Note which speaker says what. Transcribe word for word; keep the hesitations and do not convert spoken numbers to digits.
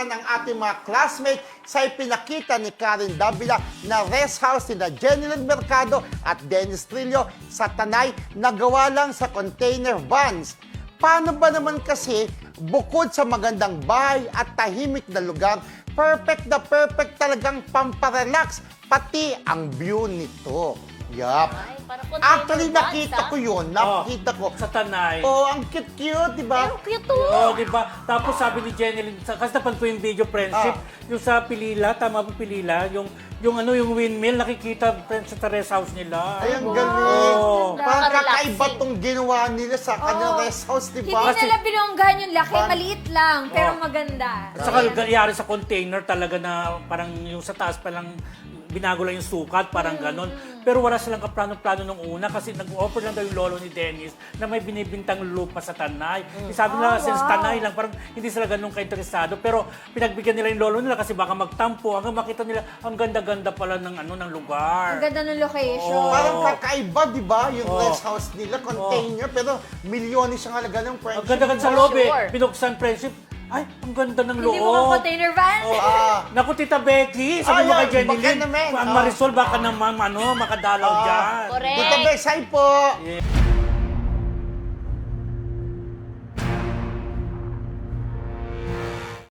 Speaker 1: naman ang ating mga classmates sa ipinakita ni Karen Davila na rest house ni na Jenilyn Mercado at Dennis Trillo sa Tanay na gawa lang sa container vans. Paano ba naman kasi bukod sa magandang bahay at tahimik na lugar, perfect na perfect talagang pamparelax, pati ang view nito. Yup.
Speaker 2: Ay, parang container
Speaker 1: Actually,
Speaker 2: vans,
Speaker 1: nakita
Speaker 2: ah.
Speaker 1: ko yun. Nakita ko.
Speaker 3: Sa Tanay.
Speaker 1: Oh, ang cute-cute, di ba?
Speaker 2: Pero cute to.
Speaker 3: Oo, di ba? Tapos sabi ni Jenny, kasi napan ko yung video friendship,
Speaker 1: Ah.
Speaker 3: yung sa Pilila, tama ba Pilila, yung yung ano yung windmill nakikita friends sa terrace house nila.
Speaker 1: Ay, ang
Speaker 2: Wow.
Speaker 1: galing.
Speaker 3: Oo.
Speaker 1: Parang
Speaker 2: Nakaka-relaxing.
Speaker 1: kakaiba tong ginawa nila sa kanilang rest house, di
Speaker 4: Hindi
Speaker 1: ba?
Speaker 3: Kasi-
Speaker 4: nila binonggahan yung laki,
Speaker 1: Parang-
Speaker 4: maliit lang, pero
Speaker 3: Oh.
Speaker 4: maganda.
Speaker 3: At saka nangyari sa container talaga na parang yung sa taas pa lang binago lang yung sukat, parang ganon. Pero wala silang kaplano-plano nung una kasi nag-offer lang daw yung lolo ni Dennis na may binibintang lupa sa Tanay. Eh, Sabi nila,
Speaker 4: Oh,
Speaker 3: since
Speaker 4: wow.
Speaker 3: Tanay lang, parang hindi sila ganun ka-interesado. Pero pinagbigyan nila yung lolo nila kasi baka magtampo hanggang makita nila ang ganda-ganda pala ng ano ng lugar.
Speaker 4: Ang ganda ng location.
Speaker 3: Oo.
Speaker 1: Parang kakaiba, di ba? Yung
Speaker 3: Oh.
Speaker 1: rest house nila, container, pero milyones ang halaga ng
Speaker 3: Ang
Speaker 1: friendship.
Speaker 3: ganda-ganda sa
Speaker 2: For
Speaker 3: loob eh.
Speaker 2: sure.
Speaker 3: Binuksan friendship. Ay, ang ganda ng
Speaker 4: Hindi
Speaker 3: loob.
Speaker 4: mo ka container van?
Speaker 3: Oh,
Speaker 1: Ah.
Speaker 3: Naku, Tita Becky, sabi mo
Speaker 1: Ay,
Speaker 3: kay Jenny
Speaker 1: baka
Speaker 3: Lynn,
Speaker 1: naman.
Speaker 3: ang
Speaker 1: Ah.
Speaker 3: Marisol baka naman ano, makadalaw
Speaker 1: Ah.
Speaker 3: dyan.
Speaker 2: Correct.
Speaker 1: Dito, Bex, hi po!
Speaker 3: Yeah.